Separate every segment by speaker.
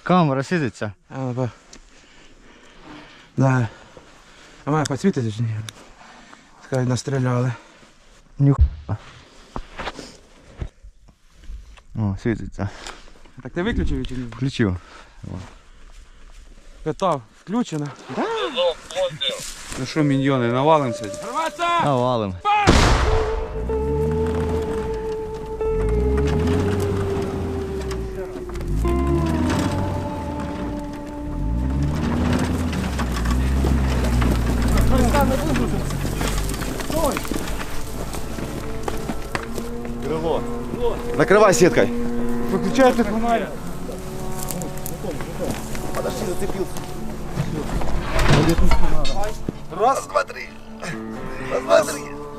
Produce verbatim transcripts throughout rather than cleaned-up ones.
Speaker 1: Камера світиться.
Speaker 2: А, ну, да. А має підсвітити чи ні? Скажуть, настріляли.
Speaker 1: Нюхуя. О, світиться.
Speaker 2: Так ти виключив чи ні?
Speaker 1: Включив.
Speaker 2: Питав, включено. Да?
Speaker 3: Ну що, міньйони, навалимося?
Speaker 1: Навалим. Крыло. Накрывай сеткой.
Speaker 2: Выключай ты фонарик.
Speaker 1: Подожди, зацепился. Раз, два, три. Раз, два, три.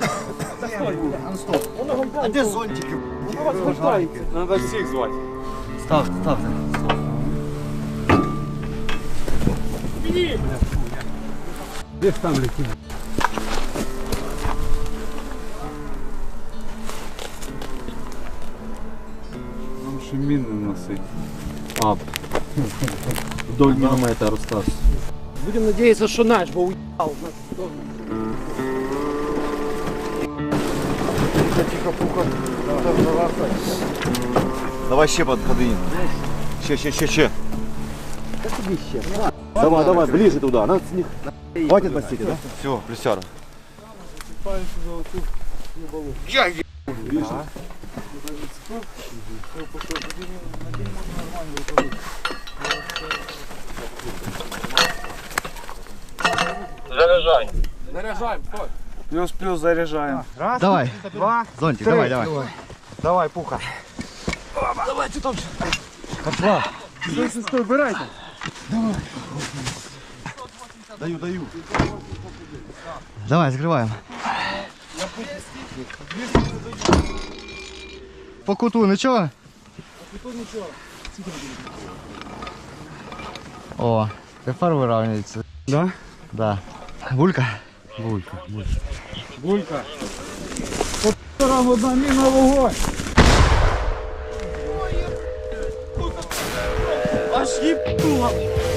Speaker 1: А где зонтики?
Speaker 3: Надо всіх звати.
Speaker 1: Став, став.
Speaker 2: Где там летит?
Speaker 3: Нам ще міни носить.
Speaker 1: А, вдоль динамайта Рустас.
Speaker 2: Будем надеяться, что наш бы уебал.
Speaker 1: Тихо, пуха. Давай ще подходи. Ще, ще, ще, ще. Давай, давай, ближе туда. Надо с них. Хватит бастики, да? Все, плюсяра. Я вижу.
Speaker 3: Заряджай.
Speaker 2: Заряжаем, стой.
Speaker 3: Плюс-плюс заряджаємо.
Speaker 2: Раз,
Speaker 1: Давай.
Speaker 2: два,
Speaker 1: Зонтик,
Speaker 2: три.
Speaker 1: давай, давай.
Speaker 2: Давай, пуха. Давай, ты там.
Speaker 1: Пошла.
Speaker 2: Стой, стой, стой, убирайте.
Speaker 1: Даю, даю. Давай, закрываем. По куту ничего?
Speaker 2: По куту ничего.
Speaker 1: О, тепер вирівнюється.
Speaker 2: Да?
Speaker 1: Да. Булька?
Speaker 2: Булька, булька. Булька. По нам одна міна вогонь. Аж їбнула.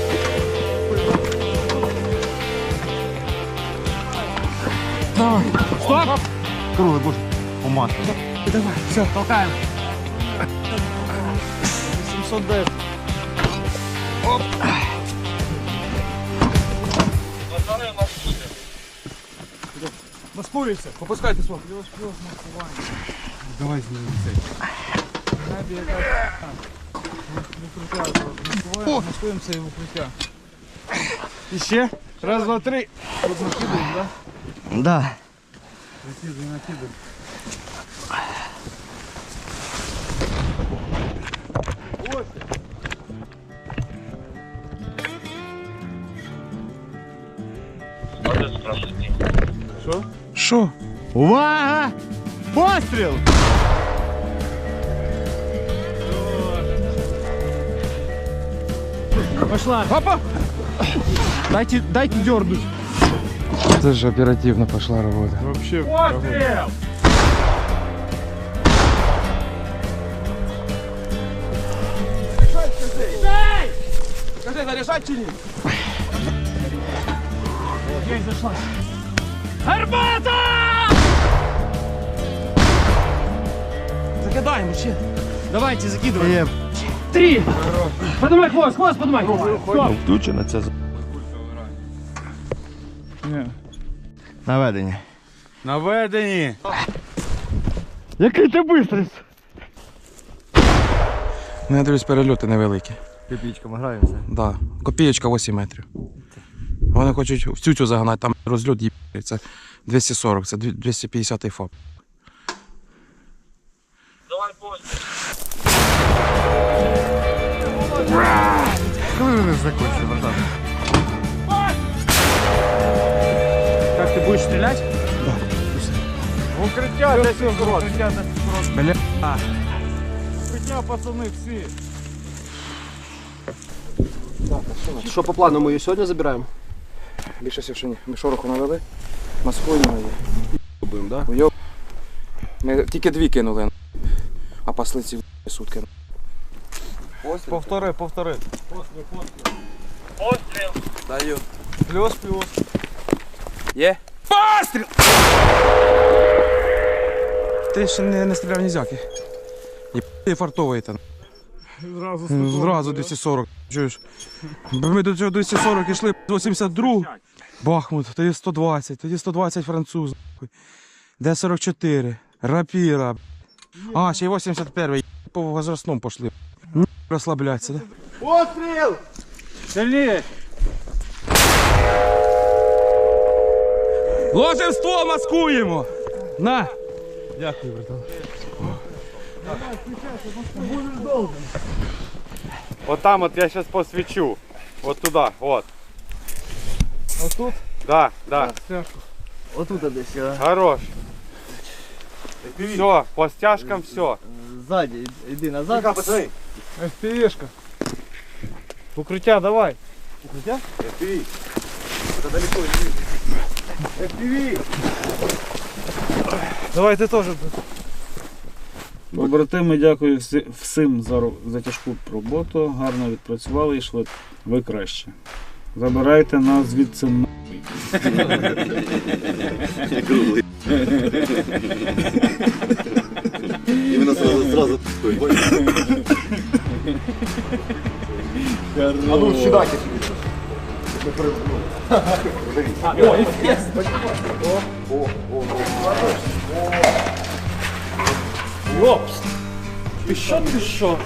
Speaker 2: Давай. Стоп.
Speaker 1: Круглый будешь уматывать.
Speaker 2: Давай, все, толкаем. семьсот десять. Оп. Маскуйся. Попускайте свой. Плюс, плюс, маскування. Давай знімемо цей. Маскуємо, маскуємося і в укриття. І ще. Раз, два, три. Тут накидаємо, да?
Speaker 1: Да.
Speaker 2: Накидаємо, накидаємо. Що? Що?
Speaker 1: Увага! Постріл!
Speaker 2: Пошла. Опа! Дайте, дайте дернуть.
Speaker 3: Це ж оперативно пошла робота.
Speaker 2: Вообще. Пострел! Скажи, заряжать чи ні? Есть, зашла. Арбата! Закидаем вообще. Давайте, закидываем. Три. Поднимай хвост, хвост поднимай. Стоп.
Speaker 1: Включено це. Наведення.
Speaker 3: Наведені.
Speaker 1: Який ти бистрий?
Speaker 2: Ну, я дивлюсь, перельоти невеликі.
Speaker 1: Копійками граємося.
Speaker 2: Да. Копієчка вісім метрів. Вони хочуть в цю загнати, там розльот є. Це двісті сорок, це двісті п'ятдесят ФАП.
Speaker 3: Давай постріл.
Speaker 1: Коли вони закончили, братан?
Speaker 2: Как ты будешь стрелять? Да.
Speaker 3: Укриття десь укрот. Укриття десь укрот.
Speaker 2: Бля.
Speaker 3: Укриття, пацани, всі.
Speaker 4: Що по плану, ми її сьогодні забираємо?
Speaker 2: Більше всього, що ні. Ми шороху навели, маскуємо її.
Speaker 4: Будемо, да?
Speaker 2: Уйоб. Ми тільки дві кинули, а паслиці сутки.
Speaker 3: Повтори, повтори.
Speaker 2: Даю.
Speaker 3: Плюс, плюс.
Speaker 2: Є. Постріл! Ти ще не, не стріляв нізяки. Є ти фартовий там.
Speaker 3: Зразу
Speaker 2: Зразу двісті сорок. Чуєш? Ми до цього двісті сорок йшли, вісімдесят два. Бахмут, тоді сто двадцять, тоді сто двадцять француз. Д сорок чотири, рапіра. А, ще й вісімдесят перший. По возрастному пішли. Розслабляться, да?
Speaker 3: Постріл! Сильніше!
Speaker 2: Ложим ствол, маскуємо! На!
Speaker 3: Дякую, братан. Вот там вот я сейчас посвечу. Вот туда, вот. Вот тут? Да, да.
Speaker 5: Отут десь.
Speaker 3: Хорош. Все, по стяжкам все.
Speaker 5: Ззаді, йди назад.
Speaker 1: Пацаны,
Speaker 3: эф пі ві-шка. Укриття давай.
Speaker 1: эф пи ви. Это далеко не эф пи ви.
Speaker 3: Давай ти теж.
Speaker 6: Побратими, дякую всі- всім за, ро- за тяжку роботу. Гарно відпрацювали і йшли. Ви краще. Забирайте нас звідси нахуй.
Speaker 1: Круглый. Именно сразу, сразу. А ну сюда,
Speaker 3: Йопс! Ти що, ти що?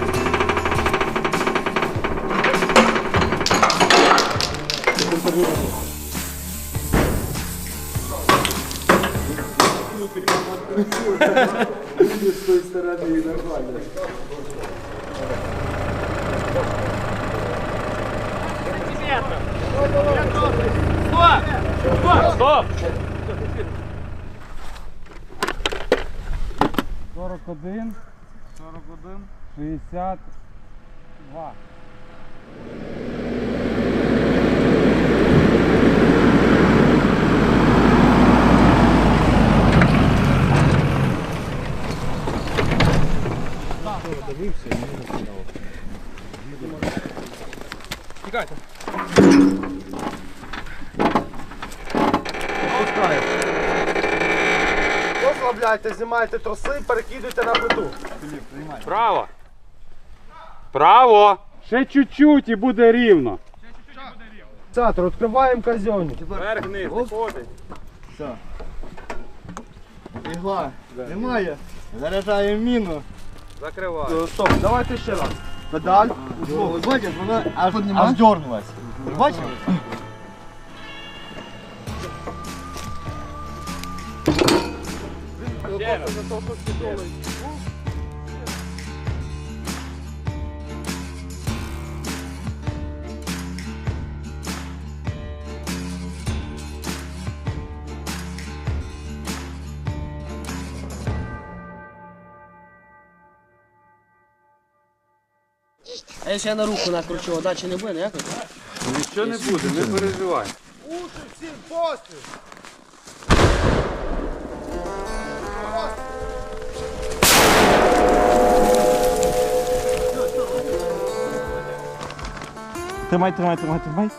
Speaker 3: сорок один, сорок один, шістдесят два. Тікайте.
Speaker 4: Розслабляйте, знімайте троси, перекидуйте на плиту.
Speaker 3: Право. Право. Ще чуть-чуть і буде рівно.
Speaker 4: Цатор, відкриваємо казьонник.
Speaker 3: Вверх вниз, виходить.
Speaker 5: Ігла. Немає. Заряджаємо міну.
Speaker 3: Закривай.
Speaker 4: Стоп, давайте ще раз. Педаль.
Speaker 5: Ви бачите, вона аж, аж дернулась. Ви бачите?
Speaker 7: А якщо я на руку накручу, дачі не буде ніякої?
Speaker 3: Нічого не буде, не переживай.
Speaker 2: Тримай, тримай, тримай, тримай.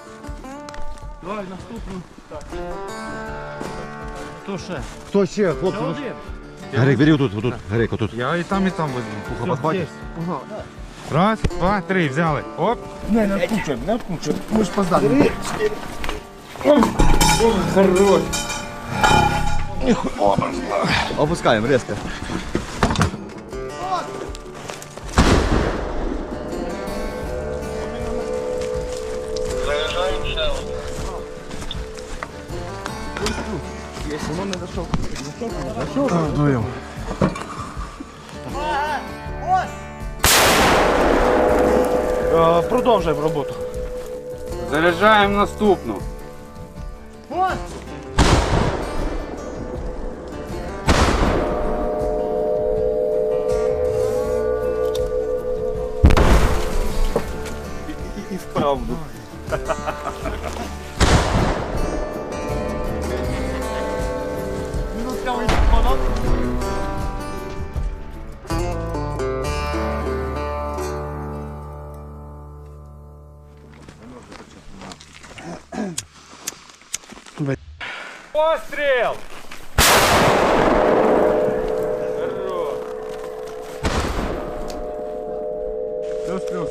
Speaker 1: Кто ще, хлопці? Гарик, бери отут, отут, Гарик, отут.
Speaker 3: Я і там, і там возьму.
Speaker 1: Пуха, подхватиш?
Speaker 3: Раз, два, три, взяли. Оп.
Speaker 5: Не, не відкручуємо, не відкручуємо. Ми ж поздали.
Speaker 3: Хорош.
Speaker 1: Опускаємо, резко.
Speaker 4: Продовжуємо роботу.
Speaker 3: Заряджаємо наступну.
Speaker 1: І вправду.
Speaker 3: постріл!
Speaker 1: Плюс-плюс.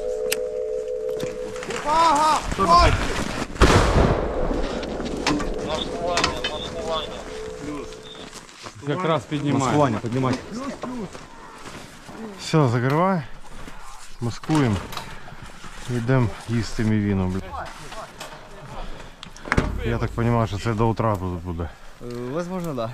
Speaker 3: Якраз піднімає.
Speaker 1: Маскування, піднімати. Все, закривай. Маскуємо. Йдемо їсти мівіну, блядь. Я так розумію, що це до утра тут буде.
Speaker 5: Возможно, да.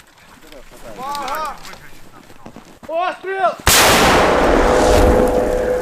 Speaker 4: Постріл!